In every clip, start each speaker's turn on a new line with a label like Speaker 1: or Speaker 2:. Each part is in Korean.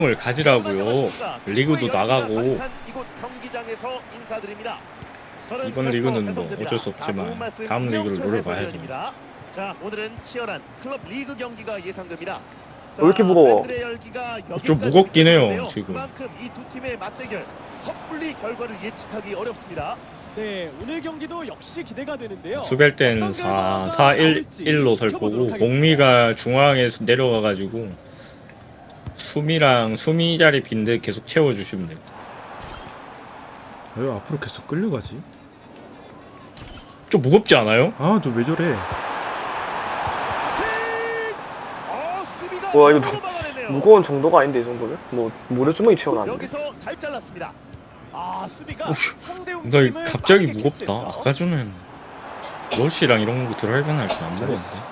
Speaker 1: 을 가지라고요. 리그도 나가고.
Speaker 2: 이곳 경기장에서 인사드립니다. 저는
Speaker 1: 이번 리그는 뭐
Speaker 2: 배성재입니다.
Speaker 1: 어쩔 수 없지만
Speaker 2: 좋은 말씀
Speaker 1: 다음 리그를
Speaker 2: 이명철
Speaker 1: 노려봐야죠.
Speaker 2: 해설위원입니다. 자, 오늘은 치열한 클럽 리그 경기가 예상됩니다.
Speaker 3: 왜 이렇게 무거워?
Speaker 2: 팬들의 열기가
Speaker 1: 좀
Speaker 2: 여기까지
Speaker 1: 무겁긴 해요,
Speaker 2: 느껴지는데요.
Speaker 1: 지금.
Speaker 2: 그만큼 이 두 팀의 맞대결 섣불리 결과를 예측하기 어렵습니다.
Speaker 4: 네, 오늘 경기도 역시 기대가 되는데요.
Speaker 1: 수비할 때는 4-4-1-1로 설 거고 공미가 중앙에서 내려가가지고 수미 자리 빈데 계속 채워주시면 돼요.
Speaker 5: 왜 앞으로 계속 끌려가지?
Speaker 1: 좀 무겁지 않아요?
Speaker 5: 아, 너 왜 저래?
Speaker 2: 수비가
Speaker 3: 와, 이거
Speaker 2: 너무 막아내네요.
Speaker 3: 무거운 정도가 아닌데 이 정도면? 뭐 모래주머니 채워놨네.
Speaker 2: 여기서 잘 잘랐습니다. 수비가
Speaker 1: 어휴,
Speaker 2: 상대
Speaker 1: 나
Speaker 2: 움직임을
Speaker 1: 갑자기
Speaker 2: 빠르게
Speaker 1: 무겁다.
Speaker 2: 캐치했죠.
Speaker 1: 아까 전엔 롤시랑 이런 거 드라이브는 할 때 안 무거운데.
Speaker 5: 나이스.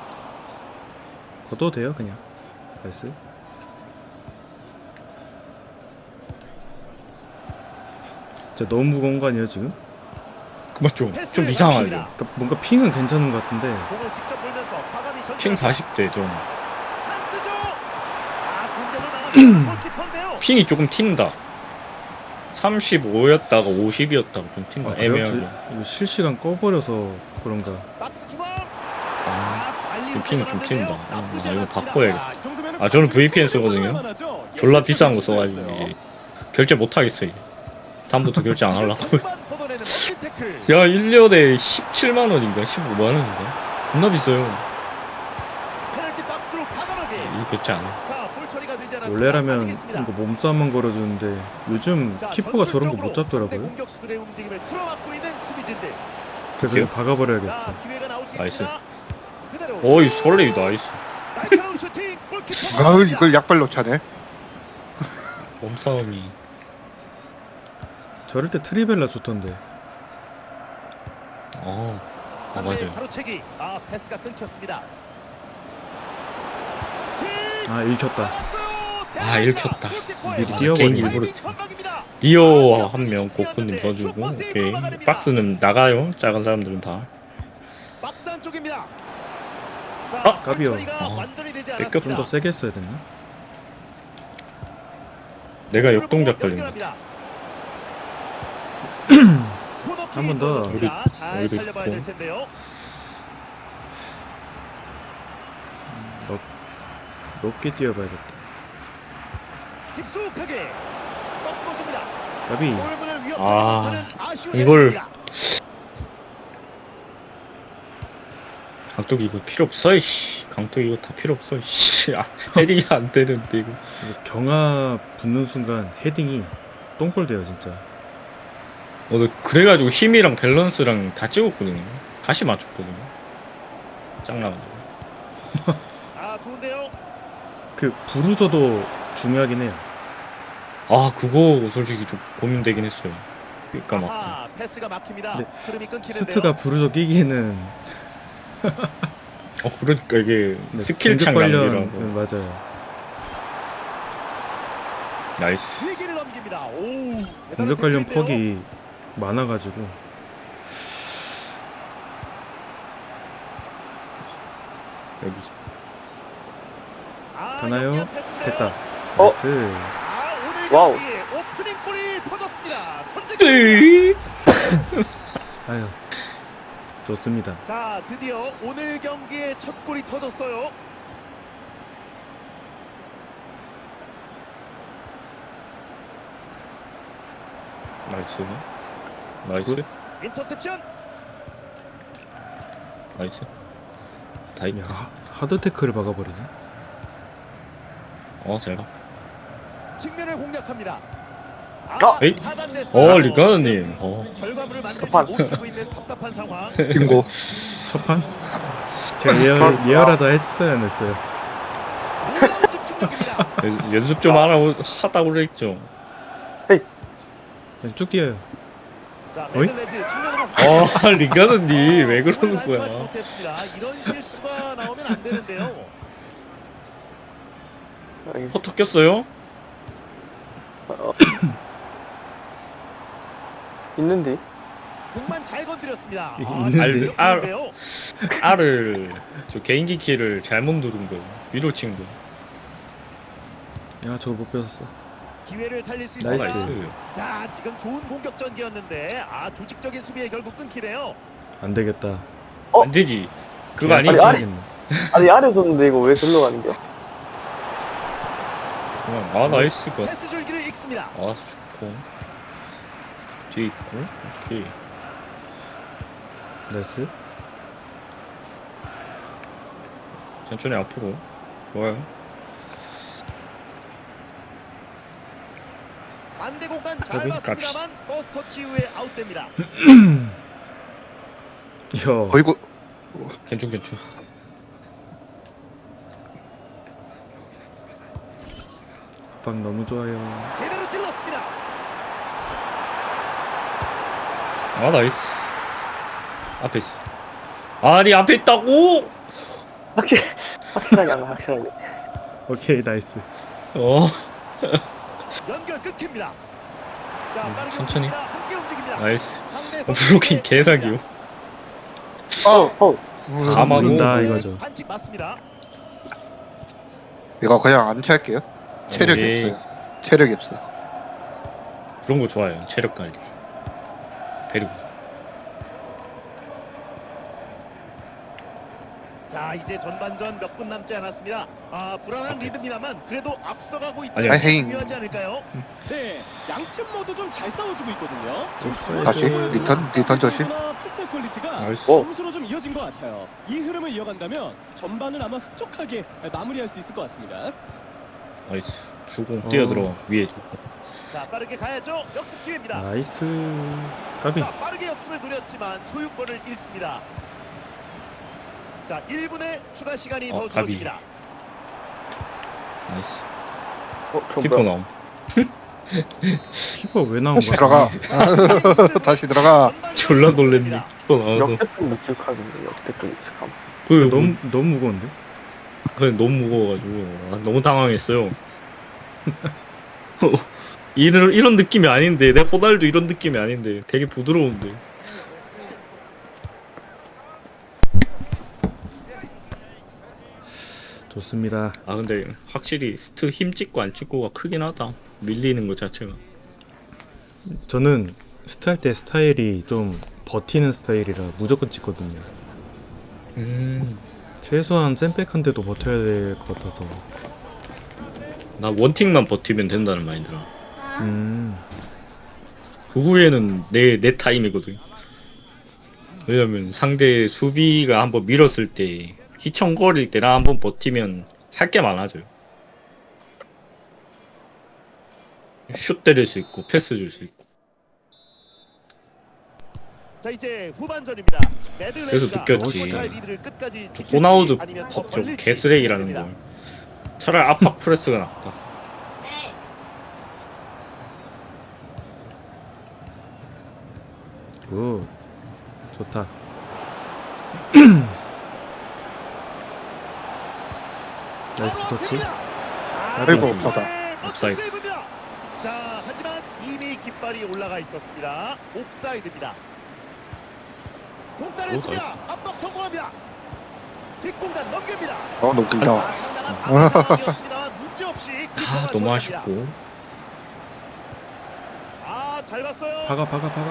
Speaker 5: 걷어도 돼요 그냥. 나이스. 진짜 너무 무거운 거 아니에요 지금?
Speaker 1: 그만 좀
Speaker 2: 패스를
Speaker 1: 이상하죠.
Speaker 2: 막힙니다.
Speaker 5: 그러니까 뭔가 핑은 괜찮은 것 같은데
Speaker 2: 공을 직접 돌면서 과감히
Speaker 1: 핑
Speaker 2: 전진합니다.
Speaker 1: 40대 좀.
Speaker 2: 찬스죠. 공격을 나갔어요. 골키퍼인데요.
Speaker 1: 핑이 조금 튄다. 35였다가 50이었다가 좀 튄다.
Speaker 5: 아, 그래요?
Speaker 1: 애매하게.
Speaker 5: 이거 실시간 꺼버려서 그런가.
Speaker 2: 박스 중앙.
Speaker 1: 지금 핑이 좀 튄다.
Speaker 2: 나쁘지
Speaker 1: 이거
Speaker 2: 않았습니다.
Speaker 1: 바꿔야겠다.
Speaker 4: 이 정도면은
Speaker 1: 아, 저는 VPN
Speaker 4: 방금
Speaker 1: 쓰거든요.
Speaker 4: 만하죠?
Speaker 1: 졸라
Speaker 4: 예,
Speaker 1: 비싼 거
Speaker 4: 시도했어요.
Speaker 1: 써가지고 이게 결제 못 하겠어 이제. 다음부터 결제 안 하려고.
Speaker 2: 공만 걷어내는 멋진 태클.
Speaker 1: 야 1년에 17만 원인가 15만 원인가? 겁나 비싸요.
Speaker 2: 페널티 박스로 과감하게.
Speaker 1: 이 결제 안 해.
Speaker 2: 자, 볼 처리가 되지 않았습니다.
Speaker 5: 원래라면
Speaker 2: 빠지겠습니다.
Speaker 5: 이거 몸싸움만 걸어주는데 요즘
Speaker 2: 자,
Speaker 5: 키퍼가 저런 거 못
Speaker 2: 전술적으로 상대
Speaker 5: 잡더라고요.
Speaker 2: 공격수들의 움직임을 틀어막고 있는 수비진들.
Speaker 5: 그래서 이거 박아버려야겠어.
Speaker 2: 자, 기회가 나올 수
Speaker 1: 나이스.
Speaker 2: 있습니다. 그대로.
Speaker 1: 어이 설레이 나이스.
Speaker 2: 날카로운 슈팅. 골키퍼.
Speaker 6: 가을 이걸 약발로 차네.
Speaker 1: 몸싸움이.
Speaker 5: 저럴 때 트리벨라 좋던데.
Speaker 1: 아
Speaker 2: 상대
Speaker 1: 맞아요.
Speaker 2: 바로 채기. 패스가 끊겼습니다.
Speaker 5: 아, 읽혔다.
Speaker 1: 아, 읽혔다.
Speaker 5: 미리
Speaker 1: 아,
Speaker 5: 뛰어버리네.
Speaker 1: 개인기 일부러 디오 한 명 고프님 써주고 오케이. 박스는 나가요. 작은 사람들은 다.
Speaker 2: 박스 안쪽입니다. 자,
Speaker 1: 아,
Speaker 5: 까비요.
Speaker 2: 처리가
Speaker 1: 아,
Speaker 2: 완전히 되지
Speaker 1: 뺏겼다.
Speaker 5: 좀
Speaker 2: 않았습니다.
Speaker 5: 더 세게 했어야 됐나?
Speaker 1: 내가 역동작 걸린 거.
Speaker 5: 한번 더.
Speaker 2: 잘
Speaker 1: 여기도
Speaker 2: 살려봐야 될
Speaker 1: 있고.
Speaker 2: 텐데요.
Speaker 5: 높게 뛰어봐야겠다.
Speaker 2: 깊숙하게 꺾어줍니다.
Speaker 5: 까비.
Speaker 2: 골문을 위협하지
Speaker 1: 아,
Speaker 2: 못하는 아쉬운
Speaker 1: 이걸-
Speaker 2: 대결입니다.
Speaker 1: 강뚝 이거 필요 없어 이씨. 강뚝 이거 다 필요 없어 이씨. 헤딩이 안 되는데 이거.
Speaker 5: 이거 경화 붙는 순간 헤딩이 똥볼 돼요 진짜.
Speaker 1: 오늘 그래가지고 힘이랑 밸런스랑 다 찍었거든요. 다시 맞췄거든요. 짱나가지고.
Speaker 2: 좋은데요.
Speaker 5: 그 부르저도 중요하긴 해요.
Speaker 1: 아 그거 솔직히 좀 고민되긴 했어요. 그러니까 막
Speaker 2: 패스가 막힙니다.
Speaker 5: 네.
Speaker 2: 흐름이 끊기는데요.
Speaker 5: 스트가 부르저 끼기에는
Speaker 1: 그러니까 이게
Speaker 5: 네,
Speaker 1: 스킬
Speaker 5: 공격
Speaker 1: 창
Speaker 5: 관련
Speaker 1: 낭비라고.
Speaker 5: 맞아요.
Speaker 1: 나이스.
Speaker 2: 위기를 넘깁니다. 오, 대단한
Speaker 5: 공격 관련
Speaker 2: 태클인데요.
Speaker 5: 퍽이 많아가지고
Speaker 1: 여기.
Speaker 5: 되나요?
Speaker 2: 영리한 패스인데요.
Speaker 5: 됐다.
Speaker 3: 어?
Speaker 5: 나이스.
Speaker 2: 오늘
Speaker 3: 와우.
Speaker 2: 경기에 오프닝 골이 터졌습니다. 선제.
Speaker 1: 에이.
Speaker 5: 아유, 좋습니다.
Speaker 2: 자, 드디어 오늘 경기에 첫 골이 터졌어요.
Speaker 1: 나이스. 나이스.
Speaker 5: 굿.
Speaker 2: 인터셉션.
Speaker 1: 나이스. 다 있다.
Speaker 5: 야, 하드 태클을 박아버리네.
Speaker 1: 제가.
Speaker 2: 측면을 공략합니다.
Speaker 1: 에이.
Speaker 2: 차단됐어요.
Speaker 1: 리가드님.
Speaker 2: 결과물을 만들지
Speaker 3: 첫판.
Speaker 2: 못하고 있는 답답한 상황.
Speaker 6: 빙고.
Speaker 5: 첫판? 제가 예열하다 했어야 했어요.
Speaker 2: 놀라운 집중력입니다.
Speaker 1: 연습 좀 하다고 그랬죠.
Speaker 5: 그냥 쭉 뛰어요.
Speaker 2: 자,
Speaker 5: 어이?
Speaker 2: 메들레즈 측면으로.
Speaker 1: 리가드님 왜 그러는
Speaker 2: 공을 완수하지
Speaker 1: 거야?
Speaker 2: 못했습니다. 이런 실수가 나오면 안 되는데요.
Speaker 1: 허터 꼈어요?
Speaker 3: 있는데.
Speaker 2: 공만 잘 건드렸습니다.
Speaker 5: 있는데?
Speaker 2: 좋은데요.
Speaker 1: R을 저 개인기 키를 잘못 누른 거 위로 친 거.
Speaker 5: 야 저거 못 뺏었어.
Speaker 2: 기회를 살릴 수
Speaker 5: 나이스.
Speaker 2: 있습니다.
Speaker 1: 나이스.
Speaker 2: 자, 지금 좋은 공격 전기였는데 조직적인 수비에 결국 끊기네요.
Speaker 5: 안 되겠다.
Speaker 1: 안 되지. 그거 아니지.
Speaker 3: 아니, 아니.
Speaker 5: 해야겠네.
Speaker 3: 아니 아래 뒀는데 이거 왜 절로 가는 거야?
Speaker 1: 아 나이스 것.
Speaker 2: 패스 줄기를 읽습니다.
Speaker 1: 아 좋고. 뒤에 있고. 오케이.
Speaker 5: 나이스.
Speaker 1: 천천히 앞으로. 좋아요.
Speaker 2: 반대 공간 잘
Speaker 1: 까비,
Speaker 2: 봤습니다만 버스 터치 이후에 아웃됩니다.
Speaker 5: 야.
Speaker 6: 어이구.
Speaker 1: 괜찮 괜찮.
Speaker 5: 방 너무 좋아요.
Speaker 2: 제대로 찔렀습니다.
Speaker 1: 아 나이스. 앞에 있어. 아니 앞에 있다고?
Speaker 3: 확실하게 안 가, 확실하게.
Speaker 5: 오케이 나이스.
Speaker 1: 어.
Speaker 2: 연결 끊깁니다. 자, 빠르게
Speaker 1: 천천히.
Speaker 2: 움직입니다. 함께 움직입니다.
Speaker 1: 나이스.
Speaker 2: 상대
Speaker 1: 브로킹 개사기요.
Speaker 3: 어.
Speaker 1: 다 막고.
Speaker 5: 모른다 이거죠.
Speaker 2: 반칙 맞습니다.
Speaker 6: 이거 그냥 안 찰게요. 체력이
Speaker 1: 에이.
Speaker 6: 없어요. 체력이 없어.
Speaker 1: 그런 거 좋아요. 체력 관리. 배리고.
Speaker 2: 자, 이제 전반전 몇 분 남지 않았습니다. 불안한 리듬이다만 그래도 앞서가고
Speaker 1: 아니,
Speaker 2: 있다는 게
Speaker 6: 아니.
Speaker 2: 중요하지 않을까요?
Speaker 4: 네, 양팀 모두 좀 잘 싸워주고 있거든요.
Speaker 6: 다시 리턴 조심.
Speaker 4: 패스 퀄리티가
Speaker 1: 나이스.
Speaker 4: 점수로 좀 이어진 것 같아요. 이 흐름을 이어간다면 전반은 아마 흡족하게 마무리할 수 있을 것 같습니다.
Speaker 1: 나이스. 주고 뛰어들어. 위에 주고.
Speaker 2: 자, 빠르게 가야죠. 역습 기회입니다.
Speaker 5: 나이스. 까비.
Speaker 2: 자, 빠르게 역습을 노렸지만 소유권을 잃습니다. 자, 1분의 추가 시간이 더
Speaker 1: 가비.
Speaker 2: 주어집니다.
Speaker 1: 나이스.
Speaker 3: 저
Speaker 1: 키퍼
Speaker 3: 뭐야?
Speaker 1: 나옴.
Speaker 5: 키퍼 왜 나온 거야?
Speaker 6: 들어가. 다시 들어가.
Speaker 1: 졸라 놀랬네. 키퍼 나와서.
Speaker 3: 역대급 묵직함인데, 역대급 묵직함.
Speaker 1: 그
Speaker 5: 너무 무거운데?
Speaker 1: 너무 무거워가지고 너무 당황했어요. 이런 느낌이 아닌데 내 호달도 이런 느낌이 아닌데 되게 부드러운데.
Speaker 5: 좋습니다.
Speaker 1: 아 근데 확실히 스트 힘 찍고 안 찍고가 크긴 하다. 밀리는 것 자체가.
Speaker 5: 저는 스타일 때 스타일이 좀 버티는 스타일이라 무조건 찍거든요. 최소한 샌백한데도 버텨야 될 것 같아서.
Speaker 1: 나 원팅만 버티면 된다는 마인드라. 그 후에는 내 타임이거든. 왜냐면 상대 수비가 한번 밀었을 때 휘청거릴 때나 한번 버티면 할 게 많아져요. 슛 때릴 수 있고 패스 줄 수 있고.
Speaker 2: 자, 이제 후반전입니다.
Speaker 1: 그래서 느꼈지.
Speaker 2: 리드를 끝까지
Speaker 1: 호나우드
Speaker 2: 아니면 더
Speaker 1: 좀
Speaker 2: 벌릴지
Speaker 1: 개쓰레기라는
Speaker 2: 됩니다.
Speaker 1: 걸. 차라리 압박 프레스가 낫다.
Speaker 5: 굿. 좋다. 나이스
Speaker 2: 바로
Speaker 5: 터치.
Speaker 2: 앞입니다.
Speaker 6: 아이고,
Speaker 2: 멋진
Speaker 6: 없다.
Speaker 1: 옵사이드.
Speaker 2: 세이브입니다. 자, 하지만 이미 깃발이 올라가 있었습니다. 옵사이드입니다. 공 따냈습니다. 압박 성공합니다. 뒷공간 넘깁니다.
Speaker 6: 너무 길다.
Speaker 2: 상당한 방어 상황이었습니다만 문제없이 키퍼가
Speaker 1: 너무
Speaker 2: 처리합니다.
Speaker 1: 아쉽고.
Speaker 2: 잘 봤어요.
Speaker 5: 박아.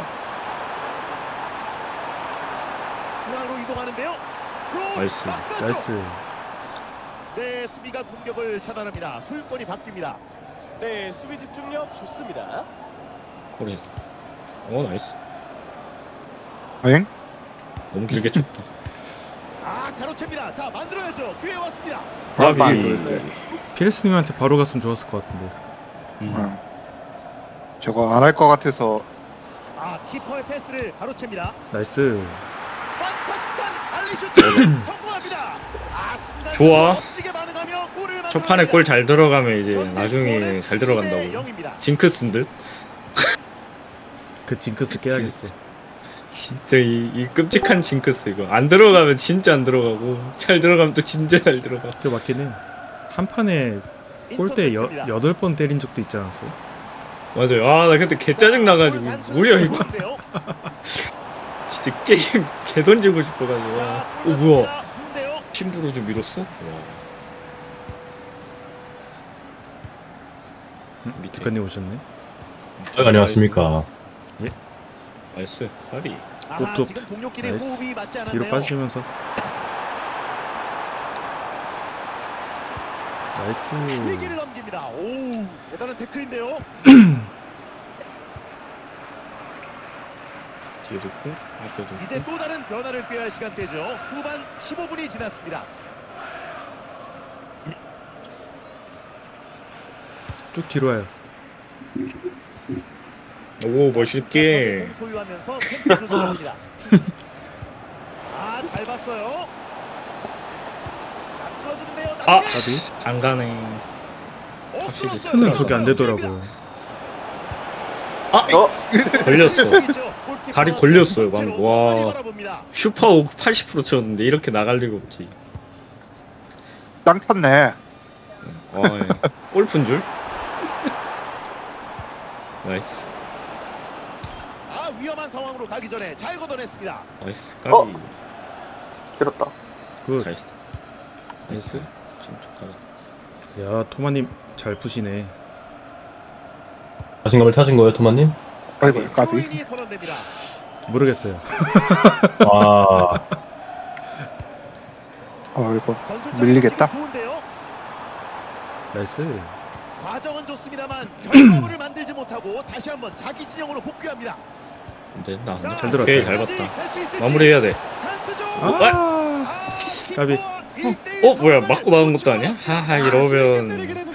Speaker 2: 중앙으로 이동하는데요. 크로스
Speaker 1: 나이스.
Speaker 2: 박스
Speaker 5: 나이스.
Speaker 2: 네, 수비가 공격을 차단합니다. 소유권이 바뀝니다.
Speaker 4: 네, 수비 집중력 좋습니다.
Speaker 1: 코레. 나이스.
Speaker 6: 엥?
Speaker 1: 너무 길게 쳤다.
Speaker 2: 가로챕니다. 자, 만들어야죠. 기회 왔습니다.
Speaker 1: 아비.
Speaker 5: 피레스님한테 바로 갔으면 좋았을 것 같은데.
Speaker 6: 응. 저거 안 할 것 같아서.
Speaker 2: 키퍼의 패스를 가로챕니다.
Speaker 5: 나이스.
Speaker 2: 판타스틱한 알리슈트 성공합니다. 순간
Speaker 1: 좋아.
Speaker 2: 멋지게 반응하며 골을
Speaker 1: 첫 판에 골 잘 들어가면 이제
Speaker 2: 현재
Speaker 1: 나중에
Speaker 2: 스코어는
Speaker 1: 잘
Speaker 2: 2대
Speaker 1: 들어간다고.
Speaker 2: 0입니다.
Speaker 1: 징크스인 듯?
Speaker 5: 그 징크스 깨야겠어.
Speaker 1: 진짜 이 끔찍한 징크스 이거. 안 들어가면 진짜 안 들어가고 잘 들어가면 또 진짜 잘 들어가.
Speaker 5: 그 맞긴 해. 한 판에 골대
Speaker 2: 인터셉트입니다.
Speaker 5: 8번 때린 적도 있지 않았어요?
Speaker 1: 맞아요. 나 그때 개 짜증 나가지고
Speaker 2: 단순히
Speaker 1: 뭐야 이거.
Speaker 2: 좋은데요.
Speaker 1: 진짜 게임 개 던지고 싶어가지고. 뭐야?
Speaker 2: 좋은데요.
Speaker 1: 심부로 좀 밀었어? 와. 밑에.
Speaker 5: 작가님 오셨네.
Speaker 7: 안녕하십니까.
Speaker 1: 나이스. 파리.
Speaker 2: 아하,
Speaker 5: 뚝뚝.
Speaker 2: 지금 동료끼리
Speaker 5: 나이스.
Speaker 2: 호흡이 맞지 않았네요.
Speaker 5: 뒤로 빠지면서. 나이스.
Speaker 2: 위기를 넘깁니다. 오, 대단한 태클인데요.
Speaker 1: 뒤에도 있고 앞에도 있고.
Speaker 2: 이제 또 다른 변화를 꾀할 시간대죠. 후반 15분이 지났습니다.
Speaker 5: 쭉 뒤로 와요.
Speaker 1: 오 멋있게.
Speaker 2: 소유하면서 템포 조절합니다. 아, 잘 봤어요. 자, 틀어주는데요.
Speaker 1: 아!
Speaker 2: 낮게.
Speaker 5: 까비.
Speaker 1: 안 가네.
Speaker 2: 뚫었어요.
Speaker 5: 스는 저게 안 되더라고요.
Speaker 1: 아! 걸렸어. 다리 걸렸어요, 방금. 와.
Speaker 2: 바라봅니다.
Speaker 1: 슈퍼 오브 80% 쳤는데 이렇게 나갈 리가 없지.
Speaker 6: 땅 탔네.
Speaker 1: 와, 예. 골프인 줄? 나이스.
Speaker 2: 아, 위험한 상황으로 가기 전에 잘 걷어냈습니다.
Speaker 1: 나이스.
Speaker 3: 어?
Speaker 1: 까비.
Speaker 3: 길었다.
Speaker 5: 굿.
Speaker 1: 잘했어. 나이스. 침착하다.
Speaker 5: 야, 토마님 잘 푸시네.
Speaker 7: 자신감을 찾은 거예요, 토마님?
Speaker 6: 아이고, 까비.
Speaker 2: 스로인이 선언됩니다.
Speaker 5: 모르겠어요.
Speaker 7: 아,
Speaker 6: 이거
Speaker 2: 전술적인
Speaker 6: 밀리겠다.
Speaker 2: 움직임 좋은데요.
Speaker 5: 나이스.
Speaker 2: 과정은 좋습니다만 결과물을 만들지 못하고 다시 한번 자기 진영으로 복귀합니다.
Speaker 1: 근데 나
Speaker 2: 자,
Speaker 5: 잘 들었다.
Speaker 1: 오케이, 잘 봤다.
Speaker 2: 갈수 있을지.
Speaker 1: 마무리해야 돼.
Speaker 2: 찬스죠.
Speaker 5: 아, 까비.
Speaker 1: 어, 뭐야, 맞고 나온 것도 아니야? 하하, 이러면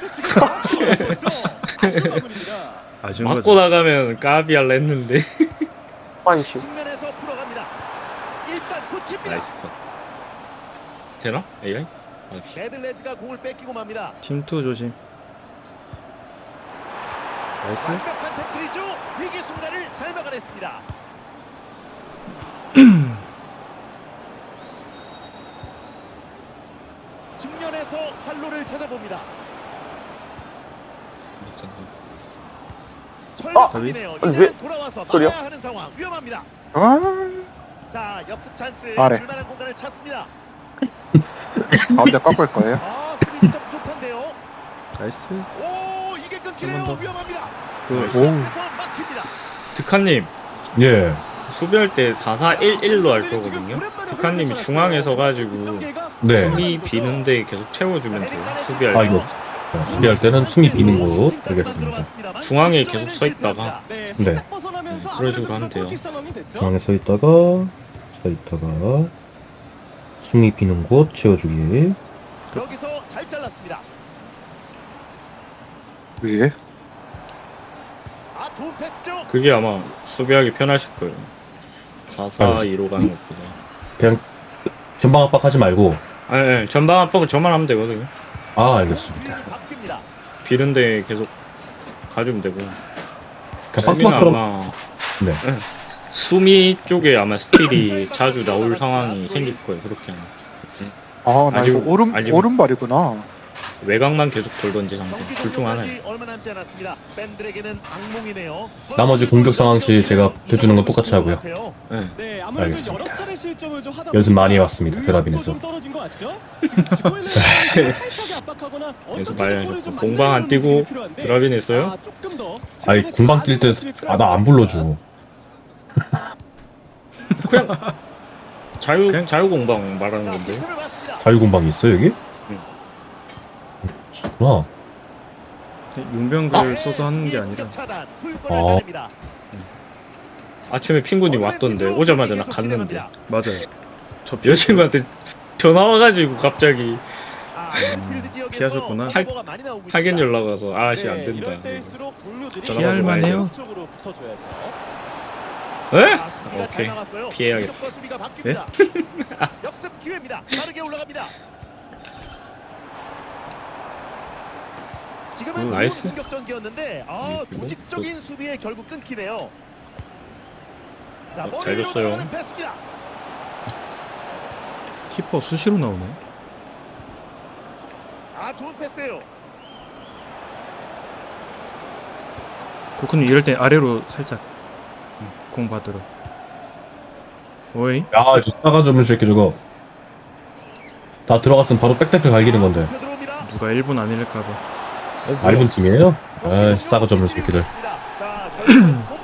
Speaker 5: 아쉬운
Speaker 1: 맞고
Speaker 5: 거죠.
Speaker 1: 나가면 까비 할라 했는데.
Speaker 3: 환심.
Speaker 2: 측면에서 풀어갑니다. 일단 붙입니다.
Speaker 1: 나이스 컷. 되나? AI? 아,
Speaker 2: 데들레즈가 공을 뺏기고 맙니다.
Speaker 5: 팀2 조심. 나이스.
Speaker 2: 완벽한 태클이죠. 위기 순간을 잘 막아냈습니다. 측면에서 활로를 찾아봅니다. 철벽이네요.
Speaker 3: 아니,
Speaker 2: 이제는
Speaker 3: 왜-
Speaker 2: 돌아와서
Speaker 3: 소리야?
Speaker 2: 막아야 하는 상황. 위험합니다.
Speaker 6: 아,
Speaker 2: 자, 역습 찬스.
Speaker 6: 아래.
Speaker 2: 줄만한 공간을 찾습니다.
Speaker 6: 가운데 깎을 거예요.
Speaker 2: 아, 수비 좀 부족한데요.
Speaker 5: 나이스.
Speaker 2: 오, 이게 끊기네요.
Speaker 5: 한번 더.
Speaker 2: 위험합니다.
Speaker 5: 굿.
Speaker 6: 오,
Speaker 2: 그래서 막힙니다.
Speaker 1: 득한님,
Speaker 7: 예.
Speaker 1: 수비할 때 4-4-1-1로 할 거거든요. 득한님이 중앙에 서가지고
Speaker 7: 네.
Speaker 1: 숨이 비는데 계속 채워주면 돼요. 수비할
Speaker 7: 아,
Speaker 1: 때.
Speaker 7: 이거 수비할 때는 숨이 비는 곳. 알겠습니다.
Speaker 1: 중앙에 계속 서 있다가.
Speaker 7: 네.
Speaker 1: 그런 식으로 하면 돼요.
Speaker 7: 중앙에 서 있다가 숨이 비는 곳 채워주기.
Speaker 2: 여기서 잘 잘랐습니다.
Speaker 6: 위에.
Speaker 2: 아, 좋은 패스죠.
Speaker 1: 그게 아마 수비하기 편하실 거예요. 4-4-2로 가는 것보다.
Speaker 7: 그냥 전방 압박하지 말고.
Speaker 1: 아니, 전방 압박은 저만 하면 되거든요.
Speaker 7: 아, 알겠습니다.
Speaker 2: 주인이 바뀝니다.
Speaker 1: 비는데 계속 가주면 되고.
Speaker 7: 그냥
Speaker 1: 수비는
Speaker 7: 박스만처럼.
Speaker 1: 아마
Speaker 7: 네.
Speaker 1: 수미 쪽에 아마 스틸이 자주 나올 상황이 생길 거예요. 그렇게 하면.
Speaker 6: 아, 나 이거
Speaker 1: 아니면-
Speaker 6: 오른발이구나.
Speaker 1: 외곽만 계속 돌던지 상대.
Speaker 2: 경기
Speaker 1: 둘 중 하나예요.
Speaker 2: 종료까지 얼마 남지 않았습니다. 팬들에게는 악몽이네요.
Speaker 7: 나머지 공격 상황 시 제가 해주는 건 똑같이 하고요.
Speaker 1: 네.
Speaker 4: 네, 아무래도
Speaker 7: 알겠습니다.
Speaker 4: 여러 차례 실점을 좀 하다
Speaker 7: 연습 많이
Speaker 4: 보니까
Speaker 7: 해왔습니다, 드라빈에서.
Speaker 4: 좀 떨어진 것 같죠? 지금 타이트하게 압박하거나
Speaker 1: 연습
Speaker 4: 어떻게
Speaker 1: 많이
Speaker 4: 골을
Speaker 1: 하셨고
Speaker 4: 좀
Speaker 1: 공방 안
Speaker 4: 만들어내는
Speaker 1: 뛰고
Speaker 4: 움직임이 필요한데,
Speaker 1: 드라빈 했어요?
Speaker 4: 아, 조금 더
Speaker 7: 아니,
Speaker 4: 최근에
Speaker 7: 공방 뛸 때,
Speaker 4: 모습이
Speaker 7: 나 안 불러줘.
Speaker 1: 자유공방 말하는
Speaker 2: 자,
Speaker 1: 건데.
Speaker 2: 빈틈을 봤습니다.
Speaker 7: 자유공방이 있어, 여기?
Speaker 1: 응.
Speaker 7: 그렇구나.
Speaker 5: 용병들 써서 하는 게 아니라.
Speaker 2: 공격 차단, 소유권을
Speaker 7: 어.
Speaker 2: 가집니다.
Speaker 1: 아침에 핑구님 왔던데 오자마자 나 갔는데
Speaker 5: 맞아요. 저
Speaker 1: 여자친구한테 전화 와가지고 갑자기
Speaker 2: 아, 필드 지역에서
Speaker 5: 피하셨구나.
Speaker 2: 커버가 많이 나오고 있습니다.
Speaker 1: 하겐 연락 와서 아씨 안
Speaker 4: 네,
Speaker 1: 된다.
Speaker 4: 이럴 때일수록 동료들이
Speaker 1: 피할
Speaker 5: 만해요?
Speaker 4: 쪽으로 붙어줘야죠.
Speaker 1: 에?
Speaker 2: 아, 수비가 잘
Speaker 1: 오케이.
Speaker 2: 나갔어요.
Speaker 1: 피해야겠다.
Speaker 2: 공격과 수비가 바뀝니다. 역습 기회입니다. 빠르게 올라갑니다. 지금은 좋은
Speaker 1: 나이스.
Speaker 2: 공격 전기였는데
Speaker 1: 그리고
Speaker 2: 조직적인 수비에 결국 끊기네요. 자,
Speaker 1: 잘
Speaker 2: 머리로
Speaker 1: 줬어요.
Speaker 2: 들어가는 패스입니다.
Speaker 5: 키퍼 수시로 나오네.
Speaker 2: 아, 좋은 패스예요.
Speaker 5: 코크님 이럴 때 아래로 살짝 공 받으러. 오이.
Speaker 7: 야, 저 싸가지 없는 새끼 저거. 다 들어갔으면 바로 빽빽빽 갈기는 건데.
Speaker 2: 좁혀 들어옵니다.
Speaker 5: 누가 1분 안 잃을까봐.
Speaker 7: 안 입은 팀이에요? 아, 싸가지 없는 새끼들.
Speaker 2: 자, 결국은